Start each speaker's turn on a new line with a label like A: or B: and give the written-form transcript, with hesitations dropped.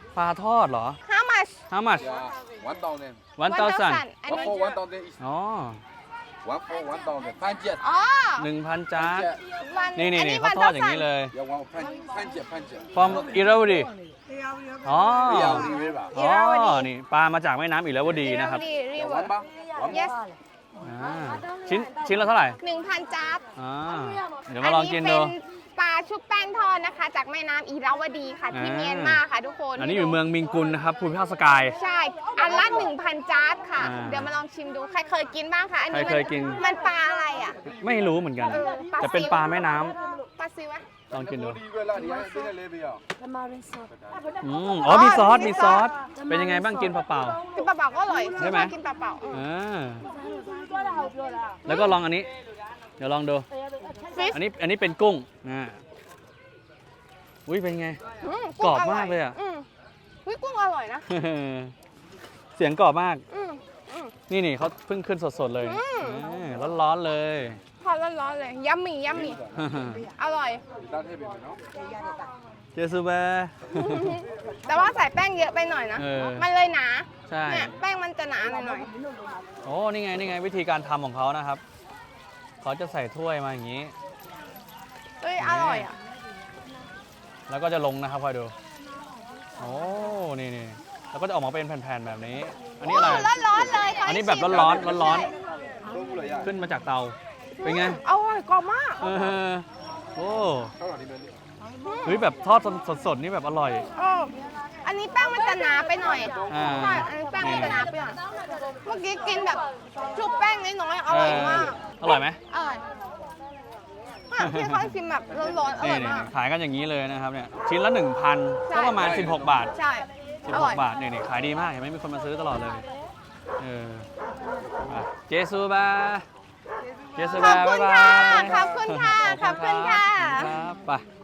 A: ปลาทอดเหรอ
B: How much
A: How much
C: Yeah, 1,000.
A: 1,000
B: อัน
C: One
B: นี้
C: for 1,000 is
A: อ๋อ
C: one for 1,000. Panjat.
B: อ๋อ
A: 1,000 จาน
C: Panjat.
B: วัน
A: นี่
B: อั
A: เขาทอดอย่างนี้เลย
C: Yeah, one panjat.
A: from อิราวดีอ๋อ
C: Yeah, river.
A: อ๋อ นี่ปลามาจากแม่น้ำอิราวดีนะครับ
B: รี
C: Yeah,
B: เวิร์
C: one bar. One
B: yes
A: อ่าชิ้นละเท่าไหร่
B: 1,000จ๊าบ
A: อ่าเดี๋ยวมาลองกินดู
B: อัเป็นปลาชุบแป้งทอดนะคะ จากแม่น้ำอิราวดีค่ะที่
A: อ่า
B: เมียนมาค่ะทุกคน
A: อันนี้อยู่เมืองมิงกุลนะครับภูมิภาคสกาย
B: ใช่ อันละ 1,000จ๊าบค่ะ
A: อ่า
B: เดี๋ยวมาลองชิมดู ใครเคยกินบ้างคะ อันนี้
A: ใครเคยกิน
B: มันปลาอะไรอ่ะ
A: ไม่รู้เหมือนกัน
B: ปลาซิว
A: แต่เป็นปลาแม่น้ำ
B: ปลาซิวะ
A: ลองกินดู
C: river lah, dia dia lebar.
A: อ๋อมีซอส มีซอส เป็นยังไงบ้างกินเปล่า
B: กินเปล่าๆก็อร่อย
A: ใช่ไหม
B: ชอบกินเปล่าๆ
A: ๆอ่าแล้วก็ลองอันนี้ เดี๋ยวลองดู
B: ฟิช
A: อันนี้เป็นกุ้งอุ้ยเป็นไง กรอบมากเลยอะ
B: วิกุ้งอร่อยนะ
A: เสียงกรอบมาก
B: อืมอืม
A: นี่เขาเพิ่งขึ้นสดๆเลยร้อนๆเลย
B: ทอดร้อนๆเลย ยัมมี่ยัมมี่ อร่อย
C: Kita heavy, no?
A: เจสุเบะ
B: แต่ว่าใส่แป้งเยอะไปหน่อยนะ
A: เออ
B: มันเลยหนา
A: ใช่
B: เนี่ยแป้งมันจะหนาหน่อย
A: โอ้นี่ไงวิธีการทำของเขานะครับ เขาจะใส่ถ้วยมาอย่างนี้
B: ๆเอ้ยอร่อยอ่ะ
A: แล้วก็จะลงนะครับคอยดู โอ้นี่แล้วก็จะออกมาเป็นแผ่นๆแบบนี้ อันนี้อะไร
B: โร้อนๆเลยข
A: อันนี้
B: ให้
A: แบบ
B: ชิม
A: ร้อน
B: ใช่
C: Tunggu lah ya.
A: ขึ้นมาจากเตา เป็นไง
B: อร่อยกรอบมาก
A: เออโอ้
C: Kalau di mana?
A: เฮ้ยแบบทอดสดๆนี่แบบอร่อย
B: เอออันนี้แป้งมันจะหนาไปหน่อย
A: อ่า
B: ใช่อันนี้แป้งมันจะหนาไปหน่อย เมื่อกี้กินแบบชุบแป้งน้อยๆอร่อยมาก
A: อร่อยไหม
B: อร่อยพี่เขาชิมแบบร้อนๆอร่อยมาก
A: ขายกันอย่างนี้เลยนะครับเนี่ยชิ้นละ 1,000 ก็ประมาณ 16 บาท
B: ใช่อร่อย
A: 16 บาทนี่ขายดีมากเห็นไหมมีคนมาซื้อตลอดเลยอ่ะเจสุบาเจสุ
B: ข
A: บา
B: อบคุณ
A: บ๊าย
B: ค่ะ
A: บาย
B: ขอบคุณค่ะ ขอบคุณค่ะ
A: ครับไป